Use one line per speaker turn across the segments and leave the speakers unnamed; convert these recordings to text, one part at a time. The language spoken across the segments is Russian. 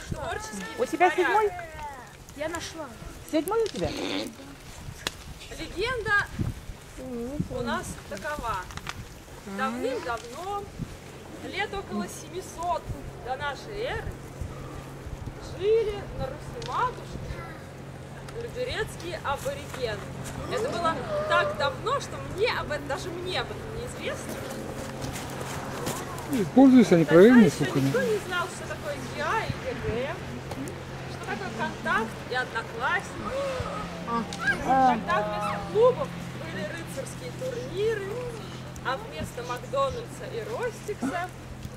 У тебя седьмой?
Я нашла.
Седьмой у тебя?
Легенда у нас такова. Давным-давно, лет около 700 до нашей эры, жили на Руси-матушке люберецкие аборигены. Это было так давно, что даже мне об этом неизвестно.
Пользуются они проверенными
Тогда еще
слухами.
никто не знал, что такое ГИА и ГГ, что такое контакт и одноклассники. Тогда вместо клубов были рыцарские турниры, а вместо Макдональдса и Ростикса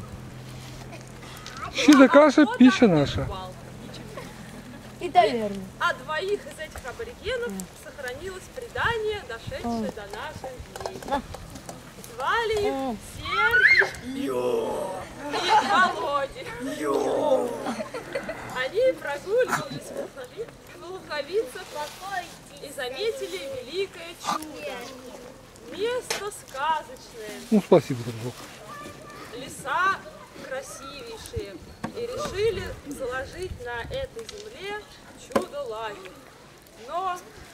Щи каша, пища наша.
И таверна.
А двоих из этих аборигенов сохранилось предание, дошедшее до наших дней. Звали их Сергий и Володя. Они прогуливались в Луковицах и заметили великое чудо. Место сказочное,
Ну, спасибо, дружок.
леса красивейшие. И решили заложить на этой земле чудо-лагерь. Но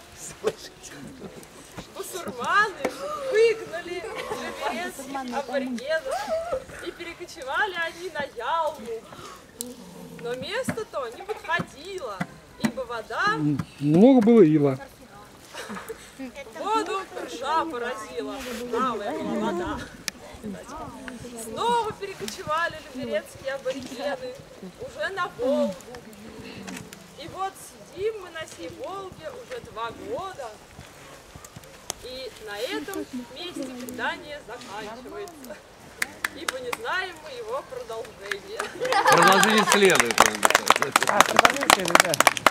бусурманы выгнали люберецких аборигенов, и перекочевали они на Ялму. Но место-то не подходило, ибо вода
Много было ила.
воду ржа поразила. Правая была вода. Снова перекочевали люберецкие аборигены уже на Волгу. И вот сидим мы на сей Волге уже 2 года. И на этом месте предание заканчивается. Ибо не знаем мы его продолжения.
Продолжение следует.
Продолжение, ребят.